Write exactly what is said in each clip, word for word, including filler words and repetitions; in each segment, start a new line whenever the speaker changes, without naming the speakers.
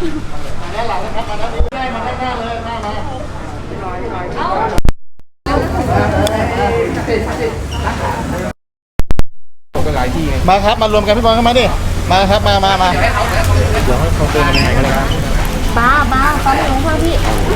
ด้านหลังนะครับมาด้านนี้ได้มาด้านหน้าเลยหน้ามามาครับมารวมกันพี่บอลเข้ามาดิมาครับมามามาเดี๋ยวให้เขาเติมอะไรกันนะครับ
บ้าบ้าตอนนี้หลวงพ่อพี่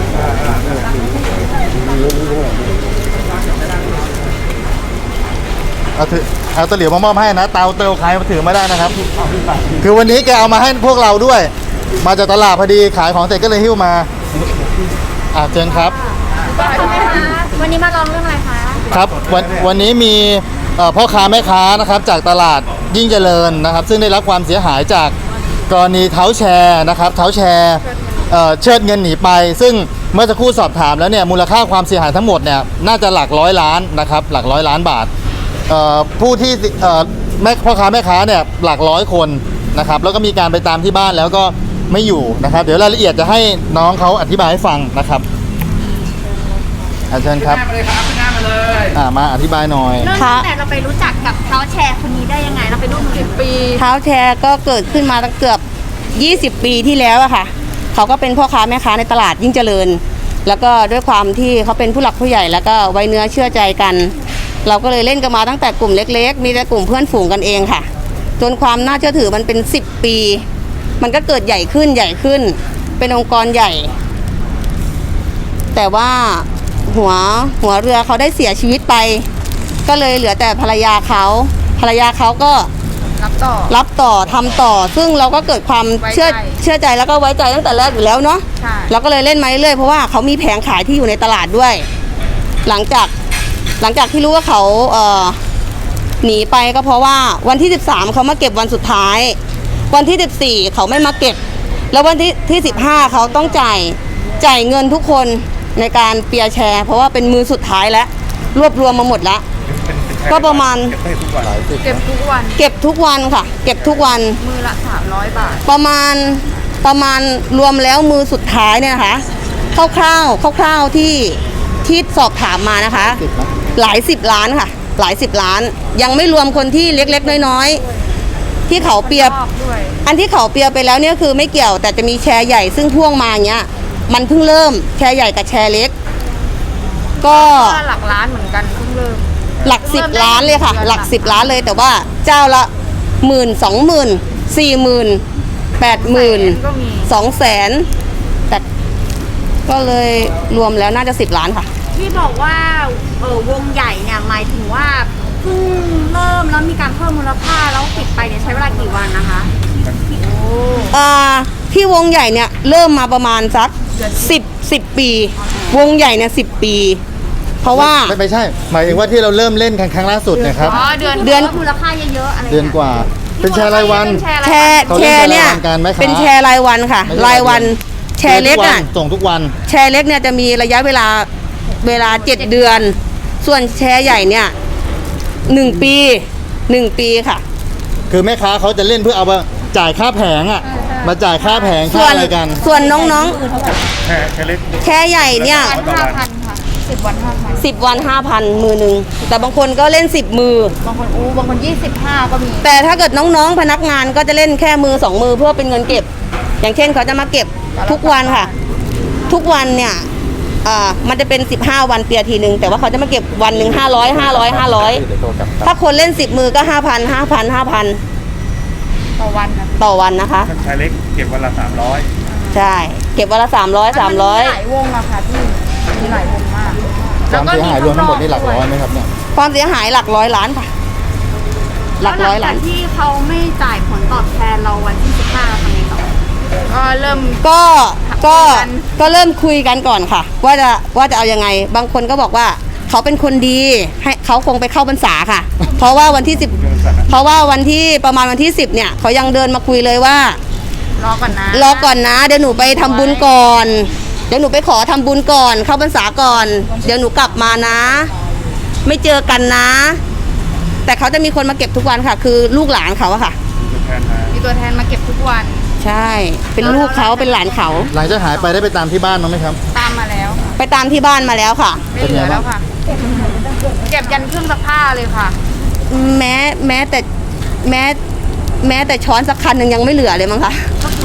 เอาถือเอาตะเหลียวมามอบให้นะเตาเตาใครมาถือไม่ได้นะครับคือวันนี้แกเอามาให้พวกเราด้วยมาจากตลาดพอดีขายของเสร็จก็เลยหิ้วมาอ่าเชิญครับ
วันนี้มาลองเรื่องอะไรคะ
ครับวันวันนี้มีพ่อค้าแม่ค้านะครับจากตลาดยิ่งเจริญนะครับซึ่งได้รับความเสียหายจากกรณีเท้าแชร์นะครับเท้าแชร์เชิดเงินหนีไปซึ่งเมื่อสักครู่สอบถามแล้วเนี่ยมูลค่าความเสียหายทั้งหมดเนี่ยน่าจะหลักร้อยล้านนะครับหลักร้อยล้านบาทผู้ที่แม่พ่อค้าแม่ค้าเนี่ยหลักร้อยคนนะครับแล้วก็มีการไปตามที่บ้านแล้วก็ไม่อยู่นะครับเดี๋ยวรายละเอียดจะให้น้องเขาอธิบายให้ฟังนะครับอาจารย์ครับมาเลยครับหน้ามาเลยอ่ามาอธิบายหน่อย
เริ่มตั้งแต่เราไปรู้จักกับเท้าแชร์คนนี้ได้ยังไงเราไปร่วมสิบปี
เท้าแชร์ก็เกิดขึ้นมาตั้งเกือบยี่สิบปีที่แล้วอะค่ะเขาก็เป็นพ่อค้าแม่ค้าในตลาดยิ่งเจริญแล้วก็ด้วยความที่เขาเป็นผู้หลักผู้ใหญ่แล้วก็ไว้เนื้อเชื่อใจกันเราก็เลยเล่นกันมาตั้งแต่กลุ่มเล็กๆมีแต่กลุ่มเพื่อนฝูงกันเองค่ะจนความน่าเชื่อถือมันเป็นสิบปีมันก็เกิดใหญ่ขึ้นใหญ่ขึ้นเป็นองค์กรใหญ่แต่ว่าหัวหัวเรือเขาได้เสียชีวิตไปก็เลยเหลือแต่ภรรยาเขาภรรยาเขาก็
รับต่อ
รับต่อทำต่อซึ่งเราก็เกิดความเชื่อเชื่อใจแล้วก็ไว้ใจตั้งแต่แรกอยู่แล้วเนาะเราก็เลยเล่นมาเรื่อยเพราะว่าเขามีแผงขายที่อยู่ในตลาดด้วยหลังจากหลังจากที่รู้ว่าเขาเอ่อหนีไปก็เพราะว่าวันที่สิบสามเขามาเก็บวันสุดท้ายวันที่สิบสี่เขาไม่มาเก็บแล้ววันที่ที่สิบห้าเขาต้องจ่ายจ่ายเงินทุกคนในการเปียร์แชร์เพราะว่าเป็นมือสุดท้ายแล้วรวบรวมมาหมดแล้วก็ประมาณ
เก็บทุกวัน
เก็บทุกวันค่ะเก็บทุกวัน
มือละสามร้อยบาท
ประมาณประมาณรวมแล้วมือสุดท้ายเนี่ยนะคะคร่าวๆคร่าวๆที่ที่สอบถามมานะคะหลายสิบล้านค่ะหลายสิบล้านยังไม่รวมคนที่เล็กๆน้อยๆที่เขาเปียร์อันที่เขาเปียร์ไปแล้วเนี่ยคือไม่เกี่ยวแต่จะมีแชร์ใหญ่ซึ่งพ่วงมาเนี้ยมันเพิ่งเริ่มแชร์ใหญ่กับแชร์เล็กก็
หลักล้านเหมือนกันเพิ่งเริ่ม
หลักสิบล้านเลยค่ะหลักสิบล้านเลยแต่ว่าเจ้าละหมื่นสองหมื่นสี่หมื่นแปดหมื่นสองแสนแต่ก็เลยรวมแล้วน่าจะสิบล้านค่ะ
ที่บอกว่าเออวงใหญ่เนี่ยหมายถึงว่าเพิ่งเริ่มแล้วมีการเพิ่มมูลค่าแล้วปิดไปเนี่ยใช้เวลากี่วันนะคะโอ้
อ่าที่วงใหญ่เนี่ยเริ่มมาประมาณสักสิบสิบปีวงใหญ่เนี่ยสิบปีเพราะว่า
ไม่ไม่ใช่หมายถึงว่าที่เราเริ่มเล่นครั้งล่าสุดนะครับ
อ๋อเดือนเดือนมูลค่าเยอะๆอะไร
เดือนกว่าเป็นแชร์รายวัน
แชร์แชร์เนี่ยเป็นแชร์รายวันค่ะรายวันแชร์เล็กอ่ะ
ส่งทุกวัน
แชร์เล็กเนี่ยจะมีระยะเวลาเวลาเจ็ดเดือนส่วนแชร์ใหญ่เนี่ยหนึ่งปีหนึ่งปีค่ะ
คือแม่ค้าเขาจะเล่นเพื่อเอามาจ่ายค่าแผงอ่ะมาจ่ายค่าแผงค่าอะไรกัน
ส่วนน้องๆแชร์แชร์เล็กแชร์ใหญ่เนี่ย
ห้าพันค่ะสิบวันห้าพัน
สิบวันห้าพันมือหนึ่งแต่บางคนก็เล่นสิบมือบ
างคนอู้บางคนยี่สิบห้าก็มี
แต่ถ้าเกิดน้องๆพนักงานก็จะเล่นแค่มือสองมือเพื่อเป็นเงินเก็บอย่างเช่นเขาจะมาเก็บทุกวันค่ะทุกวันเนี่ยอ่ามันจะเป็นสิบห้าวันเปียทีนึงแต่ว่าเขาจะมาเก็บวันหนึ่งห้าร้อยห้าร้อยห้าร้อยถ้าคนเล่นสิบมือก็ห้าพันห้าพันห้าพัน
ต่อวัน
ต่อวันนะคะ
ชายเล็กเก็บวันละสามร้อย
ใช่เก็บวันละสามร้อยสามร้อย
หลายวงอะค่ะพี่มีหลายวงมาก
ความเสียหายรวมทั้งหมดนี่หลักร้อยไหมครับเนี่ย
ความเสียหายหลักร้อยล้านค่ะ
หลักร้อยล้านที่เขาไม่จ่ายผลตอบแทนเราวันที่สิบห้าทำไงต่อก็เริ่ม
ก็ก็ก็เริ่มคุยกันก่อนค่ะว่าจะว่าจะเอายังไงบางคนก็บอกว่าเขาเป็นคนดีให้เขาคงไปเข้าพรรษาค่ะเพราะว่าวันที่สิบเพราะว่าวันที่ประมาณวันที่สิบเนี่ยเขายังเดินมาคุยเลยว่
ารอก่อนนะ
รอก่อนนะเดี๋ยวหนูไปทำบุญก่อนเดี๋ยวหนูไปขอทำบุญก่อนเข้าพรรษาก่อนเดี๋ยวหนูกลับมานะไม่เจอกันนะแต่เขาจะมีคนมาเก็บทุกวันค่ะคือลูกหลานเขาอะค่ะ
มีตัวแทนมาเก็บทุกวัน
ใช่เป็นลูกเขาเป็นหลานเขา
หลังจากหายไปได้ไปตามที่บ้านมั้งไหมครับ
ตามมาแล้ว
ไปตามที่บ้านมาแล้วค่ะ
ไม่เหลือแล้วค่ะเก็บยันเครื่องซักผ้าเลยค่ะ
แม้แม้แต่แม้แม้แต่ช้อนสักคันหนึ่งยังไม่เหลือเลยมั้งคะ
ก็คือ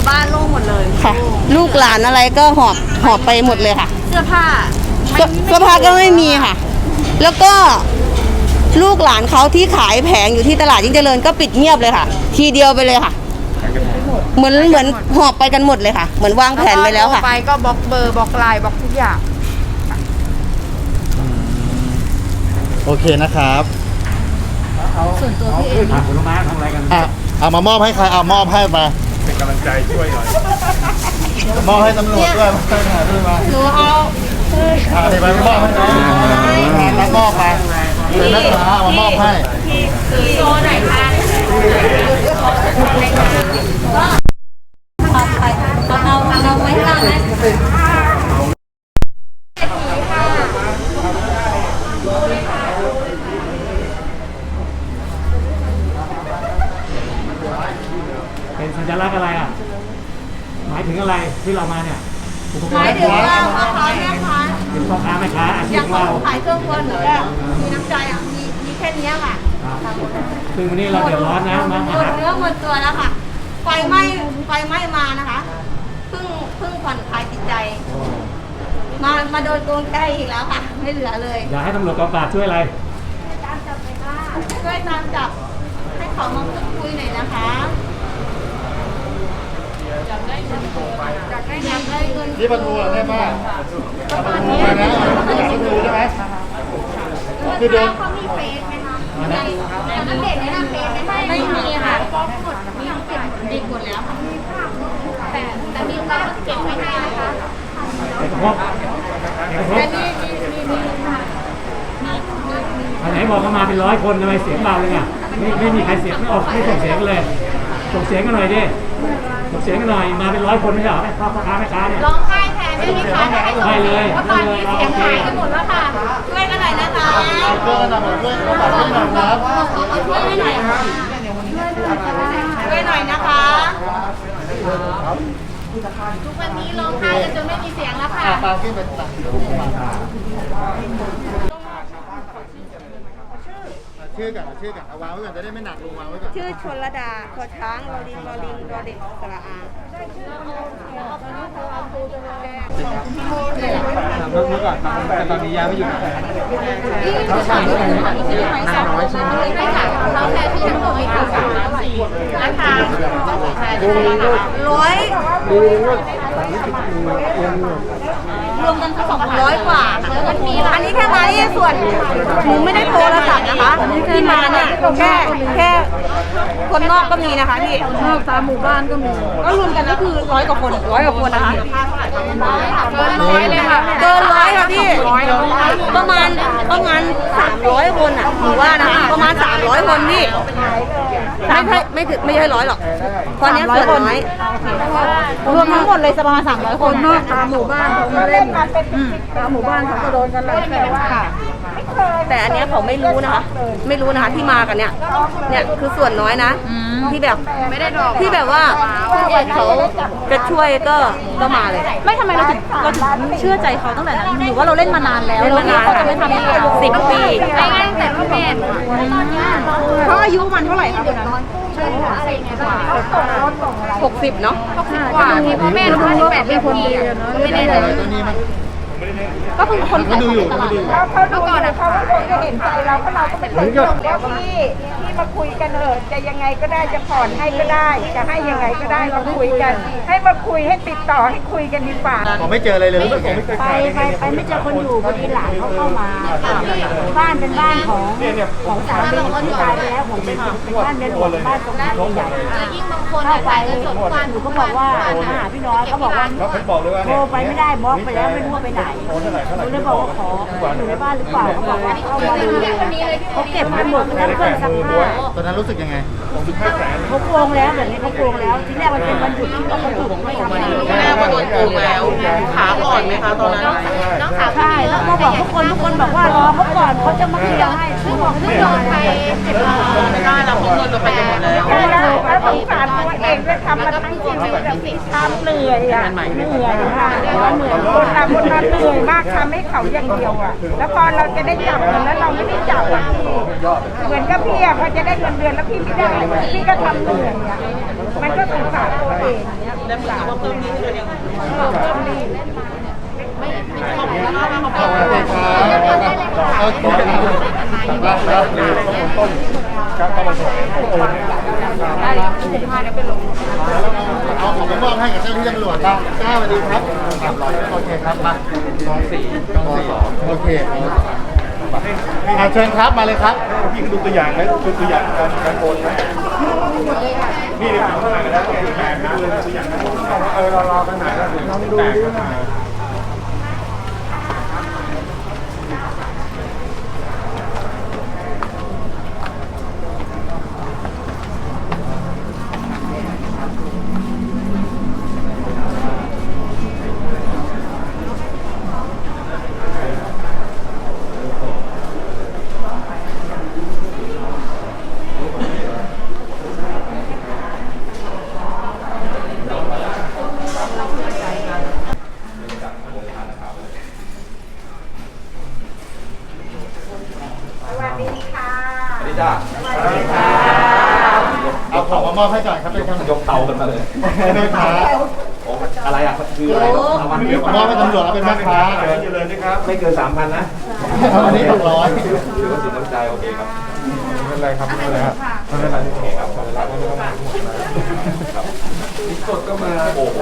บ้านโล่งหมดเลย
ค่ะ ลูกหลานอะไรก็หอบหอบไปหมดเลยค่ะ
เสื้อผ้า
เสื้อเสื้อผ้าก็ไม่มีค่ะ แล้วก็ลูกหลานเขาที่ขายแผงอยู่ที่ตลาดยิ่งเจริญก็ปิดเงียบเลยค่ะ ทีเดียวไปเลยค่ะ เหมือนเหมือนหอบไปกันหมดเลยค่ะ เหมือนวางแผนไปแล้วค่ะ
ไปก็บล็อกเบอร์บล็อกไลน์บล็อกทุกอย่าง
โอเคนะครับ
ส่วนตัวพี่เอง
ผลไม้ทำอะไรกัน
อ่ะเอามามอบให้ใครเอามอบให้ไป
เป็นกำลังใจช่วยหน่อย
มอบให้ตำรวจด้วยมาช่วยหาด้วยมา
หนูเอา
อ่าเดี๋ยวไปมอบให้น้องงานรับมอบไปเป็นนักศึกษาเอามามอบให้
โชว์หน่อยค่ะ
เอาเอาเอาไว้ข้างนะ
เป็นสัญลักษณ์อะไรอ่ะ หมายถึงอะไรที่เรามาเนี่ย
หมายถึงว่าพ่อค้าแม่ค้า
เป็นพ่อค้าแม่ค้าอาชี
อ
พ
ย่าง
ของ
คน
เรา
ขายเครื่องครัวหนูก็มีน้ำใจอ่ะมีมีแค่เนี้ยค่ะ
ซึ่งวันนี้เราเดือดร้อนนะมา
หม
มา
ด
หา
เนื้อหมดตัวแล้วค่ะ ไฟไหม้ไฟไหม้มานะคะเพิ่งเพิ่งผ่อนคลายจิตใจ มามาโดนโกงใจอีกแล้วค่ะ ไม่เหลือเลย
อยากให้ตำรวจกองปราบช่วยอะไร
ตามจับไปค่ะช่วยตามจับให้เขามาพูดคุยหน่อยนะคะอยากได้เงินอยากได้อยากได้เงิน
นี่ประตูเหรอแม่ป้าเอาประตูไปนะประตูใช่ไหมคือโดน
เขามีเฟซไหมคะในในเด็กในหน้าเฟซไหมไม่มีค่ะบล็อกหมดมีเก็บดิบหมดแล้วค่ะแต่แต่มีการเก็บไว้ให้นะคะ
เอกภพเอกภพ
แต่นี่มีมีมีค่ะ
อันไหนบอกเขามาเป็นร้อยคนทำไมเสียงเบาเลยอ่ะไม่ไม่มีใครเสียงไม่ออกไม่ส่งเสียงกันเลยส่งเสียงกันหน่อยดิส่งเสียงกันหน่อยมาเป็นร้อยคนไม่ใช่เหรอแม่พ่อค้าแม่ค้าเนี่ย
ร้องไห้แทนได้ไหมคะ
ได้เลย
เพราะตอนนี้เสียงหายกันหมดแล้วค่ะช่วยกันหน่อยนะคะ
ช่วยกันหน่อยช่วยกันหน่อยช่วยกันหน่อยครับ
ช่วยให้หน่อยค่ะช่วยหน่อยนะคะ ทุกวันนี้ร้องไห้กันจนไม่มีเสียงแล้วค่ะ
อ่ะปาขึ้นไปตักชื่อก่อนชื่อก่อนเอาวางไว้ก่อนจะได้ไม่หนักลงวางไว้ก่อน
ชื่อชนระดาขอช้างรอลิงรอลิงรอเด็กสระอา
เมื่อก่อนแต่ตอนนี้ย้ายไม่อยู่
เขาถามที่ไหนที่ไหนสองร้อยใช่ไหมไม่ค่ะเขาแทนที่ทั้งหมดไม่ถึงสามร้อยสี่นะคะร้อยรวมกันสองร้อยกว่าอันนี้แค่มาที่ส่วนหนูไม่ได้โทรศัพท์นะคะที่มาเนี่ยแค่แค่คนนอกก็มีนะคะพี่นอกตามหมู่บ้านก็มีก็รวมกันก็คือร้อยกว่าคนร้อยกว่าคนนะคะเกินร้อยเลยค่ะเกินร้อยค่ะพี่ประมาณประมาณสามร้อยคนอ่ะถือว่านะคะประมาณสามร้อยคนพี่ไม่ใช่ไม่ถึงไม่ใช่ร้อยหรอกตอนนี้ส่วนน้อยรวมทั้งหมดเลยประมาณสามร้อยคนนอกตามหมู่บ้านเขาเล่นกันตามหมู่บ้านเขาก็โดนกันเลยแต่ว่าแต่อันเนี้ยเขาไม่รู้นะคะ ไม่รู้นะคะที่มากันเนี่ยเนี่ยคือส่วนน้อยนะที่แบบไม่ได้ดอกที่แบบว่าผู้ใหญ่เขาจะช่วยก็ก็มาเลย
ไม่ทำไมเราถึงเราถึงเชื่อใจเขาตั้งแต่นั้นหรือว่าเราเล่นมานานแล้ว
เล่นมานาน
เขาจะไม่ทำให้เรา
สิบปี
ไม่งั้นแต่พ่อแม่ตอนนี้
เขาอายุมันเท่าไหร่คะตอนนั้น
หกสิบเนาะ
กว่าที่พ่อแม่รู้ว่าสิบแปดปีคนดีไม่ได้เลย
ตัวนี้มัน
ก็คือคน
ก็ดูอยู่ก็ดูอยู่
เมื่อก่อนอะเขาคงจะเห็นใจเราเพราะเราก็เป็นคนจน
แล้วพี่พี่มาคุยกันเถอะจะยังไงก็ได้จะผ่อนให้ก็ได้ จะให้ยังไงก็ได้มาคุยกัน ให้มาคุยให้ติดต่อให้คุยกันดีกว่า
ผมไม่เจออะไรเลยรู้สึกไง
ไปไปไปไม่เจอคนอยู่พอดีหลานเขาเข้ามาบ้านเป็นบ้านของของสามีที่ตายไปแล้วผมเป็นเป็นบ้านเรือนหลวงบ้านตรงนี้ใหญ่
ยิ่งบางคน
เข้าไป
จ่ายเงินสดทุกวัน
หนูก็บอกว่ามาหาพี่น้อยเขาบอกว่า
เขาบอกเลยว่า
โทรไปไม่ได้บล็อกไปแล้วไม่รู้ว่าไปไหนหนูเลยบอกว่าขออยู่ในบ้านหรือเปล่าเขาบอกว่าเข้ามาดูเขาเก็บไปหมดทั้งเครื่องซักผ้า
ตอนนั้นรู้สึกยังไง
เขาโกงแล้วแบบนี้เขาโกงแล้วทีแรกมันเป็นวันหยุดที่เขาหยุดไม่ทำงาน
แม่ว่าโดนโกงแล้วขาอ่อนไหมคะตอนนั้น
น้องสาว
ใช่แล้วก็บอกทุกคนทุกคนบอกว่ารอเขาก่อนเขาจะมาเคลียร์ให้
ซึ่งบอกซึ่งโดนไปเจ็ดล้าน
ไม่ได้แล้วเพราะเงินเราไปกันหมดแล้ว
ได้แล้วแล้วสงสารตัวเองด้วยทำมาทั้งชีวิตแบบทำเหนื่อยอ่ะเหนื่อยค่ะเหนื่อยคนทำคนนั้นเหนื่อยมากทำให้เขาอย่างเดียวอ่ะแล้วพอเราจะได้จับเงินแล้วเราไม่ได้จับอะเหมือนกับพี่อะพอจะได้เงินเดือนแล้วพี่ไม่ได้พี่ก็ทำเหนื่อยอะมันก็สงสารตัวเองสงสารเพิ่มหนี้เพิ่มหนี้
ขอบคุณครับโอเคครับต้นครับเข้ามาส่งเอาของไปมอบให้กับเจ้าที่ตำรวจครับเจ้าสวัสดีครับสามร้อยโอเคครับมากองสี่กองสี่โอเคอ่าเชิญครับมาเลยครับพี่ดูตัวอย่างไหมดูตัวอย่างการการโอนไหมนี่เนี่ยข้างหลังนะตัวอย่างนะตัวอย่างนะเออรอรอตั้งนานแล้วลองดูดิเอาของมามอบให้ก่อนครับเป็นคำ
ยกเตากันมาเลย
แม่ค้า
โอ้อะไรอ่ะคืออะไรเอามาเดี๋ยว
มอบให้ตำรวจแล้วเป็นแม่ค้า
เจริญนะครับไม่เกินสามพันนะ
วันนี้หกร้อย
ถือว่าสินน้ำใจโอเคครับ
ไม่เป็นไรครับไม่เป็นไรครับไม่เป็นไร
โอเคครับครับสดก็มาโอ้โห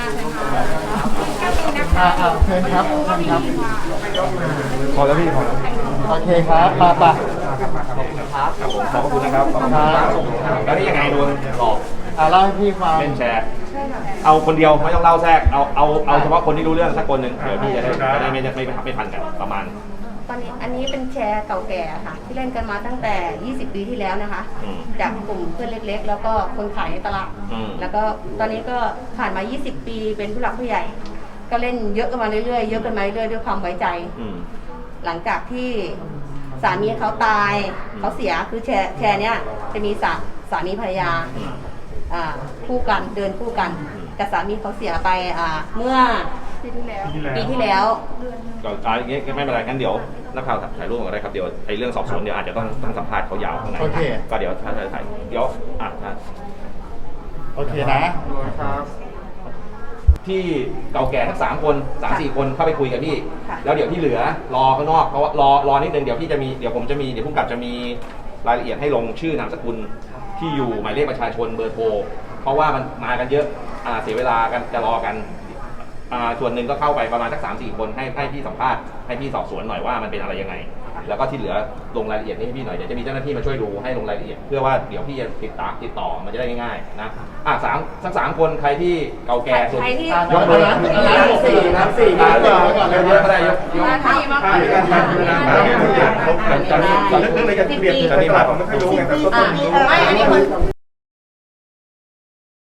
อ่าอ่าเชิญครับเชิญครับ
พอแล้วพี่พอแล้ว
โอเคครับมาป่ะ
ครับผมขอบคุณนะครับขอบคุณครับแล้วนี่ยังไงโดนหลอก
อ่าเล่าให้พี่ฟัง
เล่นแชร์เอาคนเดียวไม่ต้องเล่าแทรกเอาเอาเอาเฉพาะคนที่รู้เรื่องสักคนหนึ่งเดี๋ยวพี่จะได้จะได้ไม่ไม่ไม่ไม่ทันกันประมาณ
ตอนนี้อันนี้เป็นแชร์เก่าแก่ค่ะ ที่เล่นกันมาตั้งแต่ ยี่สิบ ปีที่แล้วนะคะ
อืม
จากกลุ่มเพื่อนเล็กๆ แล้วก็คนขายในตลาด
อืม
แล้วก็ตอนนี้ก็ผ่านมา ยี่สิบ ปีเป็นผู้หลักผู้ใหญ่ ก็เล่นเยอะกันมาเรื่อยๆเยอะกันมาเรื่อยๆด้วยความไว้ใจ
อืม
หลังจากที่สามีเขาตายเขาเสียคือแชร์แชร์เนี้ยจะมีสาสามีภรรยาอ่าคู่กันเดินคู่กัน แต่สามีเขาเสียไปอ่าเมื่อปีที่แล้วปีที่แล้ว
ก็อ่าอย่างเงี้ยไม่เป็นไรกันเดี๋ยวนักข่าวถ่ายรูปกันได้ครับเดี๋ยวไอ้เรื่องสอบสวนเดี๋ยวอาจจะต้องต้องสัมภาษณ์เขายาวข้างใน
โอเค
ก็เดี๋ยวถ้าถ่ายเดี๋ยวอ่ะถ้า
โอเคนะ
ที่เก่าแก่ทั้งสามคนสามสี่คนเข้าไปคุยกับพี่
ค่ะ
แล้วเดี๋ยวที่เหลือรอข้างนอกเพราะว่ารอรอนิดนึงเดี๋ยวพี่จะมีเดี๋ยวผมจะมีเดี๋ยวผู้กำกับจะมีรายละเอียดให้ลงชื่อนามสกุลที่อยู่หมายเลขประชาชนเบอร์โทรเพราะว่ามันมากันเยอะอ่าเสียเวลากันจะรอกันอ่าส่วนหนึ่งก็เข้าไปประมาณสักสามสี่คนให้ให้พี่สัมภาษณ์ให้พี่สอบสวนหน่อยว่ามันเป็นอะไรยังไง แล้วก็ที่เหลือลงรายละเอียดให้พี่หน่อยเดี๋ยวจะมีเจ้าหน้าที่มาช่วยดูให้ลงรายละเอียดเพื่อว่าเดี๋ยวพี่จะติดตามติดต่อมันจะได้ง่ายๆนะอ่ะสามสักสามคนใครที่เก่าแก่สุด
ใครที่
ยกมือสี่นะสี่นะเยอะก็ได้ยกยก
ใครมา
จะมีจะมีจะมีมาผมไม่ค่อยรู้ไงครับ
อ่าไม่อันนี้คน